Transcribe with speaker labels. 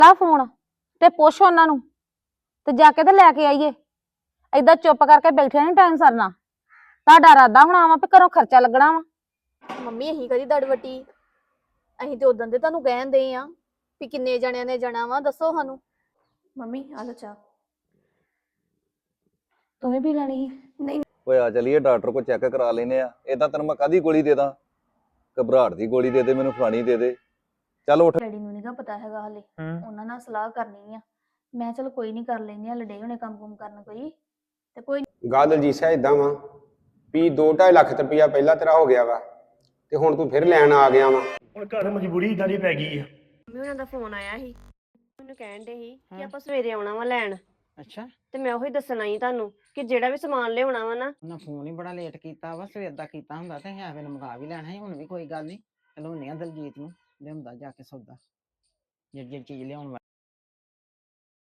Speaker 1: ਲਾ ਫੋਨ ਤੇ ਪੁੱਛ ਉਹਨਾਂ ਨੂੰ ਤੇ ਜਾ ਕੇ ਤੇ ਲੈ ਕੇ ਆਈਏ। ਏਦਾਂ ਚੁੱਪ ਕਰਕੇ ਬੈਠੇ ਨਹੀਂ ਟਾਈਮ ਸਰਨਾ। ਤੁਹਾਡਾ ਇਰਾਦਾ ਹੋਣਾ ਵਾ ਵੀ ਘਰੋਂ ਖਰਚਾ ਲੱਗਣਾ ਵਾ।
Speaker 2: ਮੰਮੀ ਅਸੀਂ ਕਦੀ ਦੜਵਟੀ ਅਸੀਂ ਤੇ ਉਦੋਂ ਦੇ ਤੁਹਾਨੂੰ ਕਹਿਣ ਦੇ ਆ ਵੀ ਕਿੰਨੇ ਜਣਿਆਂ ਨੇ ਜਾਣਾ ਵਾ ਦੱਸੋ ਸਾਨੂੰ। ਮੰਮੀ ਆ ਲੋ ਚਾਹ।
Speaker 1: ਤੂੰ ਵੀ ਪੀ ਲੈਣੀ ਸੀ?
Speaker 2: ਨਹੀਂ
Speaker 3: ਓਏ ਆ ਚਲੀਏ ਡਾਕਟਰ ਕੋਲ ਚੈੱਕ ਕਰਾ ਲੈਨੇ ਆ। ਇਦਾਂ ਤੈਨੂੰ ਮੈਂ ਕਾਹਦੀ ਗੋਲੀ ਦੇ ਦਾਂ? ਘਬਰਾਹਟ ਦੀ ਗੋਲੀ ਦੇ ਦੇ, ਮੈਨੂੰ ਫਲਾਣੀ ਦੇ ਦੇ। ਚੱਲ ਉੱਠ।
Speaker 2: ਡੈਡੀ ਨੂੰ ਨੀਗਾ ਪਤਾ ਹੈਗਾ ਹਲੇ, ਉਹਨਾਂ ਨਾਲ ਸਲਾਹ ਕਰਨੀ ਆ। ਮੈਂ ਚਲ ਕੋਈ ਨਹੀਂ ਕਰ ਲੈਂਦੇ ਆ, ਲੜੇ ਹੋਣੇ ਕੰਮ ਕਰਨ ਕੋਈ ਤੇ ਕੋਈ
Speaker 4: ਗੱਲ ਦਲਜੀਤ ਸਾਹਿਬ ਇਦਾਂ ਵਾ ਵੀ 2.5 ਲੱਖ ਰੁਪਇਆ ਪਹਿਲਾਂ ਤੇਰਾ ਹੋ ਗਿਆ ਵਾ ਤੇ ਹੁਣ ਤੂੰ ਫਿਰ ਲੈਣ ਆ ਗਿਆ ਵਾ।
Speaker 5: ਹੁਣ ਘਰ ਮਜਬੂਰੀ ਇਦਾਂ ਦੀ ਪੈ ਗਈ ਆ।
Speaker 6: ਮੰਮੀ ਉਹਨਾਂ ਦਾ ਫੋਨ ਆਇਆ ਸੀ, ਮੈਨੂੰ ਕਹਿਣ ਦੇ ਸੀ ਕਿ ਆਪਾਂ ਸਵੇਰੇ ਆਉਣਾ ਵਾ ਲੈਣ।
Speaker 7: ਅੱਛਾ,
Speaker 6: ਤੇ ਮੈਂ ਉਹੀ ਦੱਸਣਾ ਸੀ ਤੁਹਾਨੂੰ ਕਿ ਜਿਹੜਾ ਵੀ ਸਮਾਨ ਲਿਆਉਣਾ ਵਾ ਨਾ।
Speaker 7: ਉਹਨਾਂ ਫੋਨ ਹੀ ਬੜਾ ਲੇਟ ਕੀਤਾ ਵਾ। ਸਵੇਰ ਦਾ ਕੀਤਾ ਹੁੰਦਾ ਤੇ ਐਵੇਂ ਮੰਗਾ ਵੀ ਲੈਣਾ ਸੀ। ਹੁਣ ਵੀ ਕੋਈ ਗੱਲ ਨਹੀਂ, ਚਲਾਉਂਦੇ ਆ ਦਲਜੀਤ ਨੂੰ, ਲਿਆਉਂਦਾ ਜਾ ਕੇ ਸੌਦਾ ਜਿਹੜੀ ਚੀਜ਼ ਲਿਆਉਣ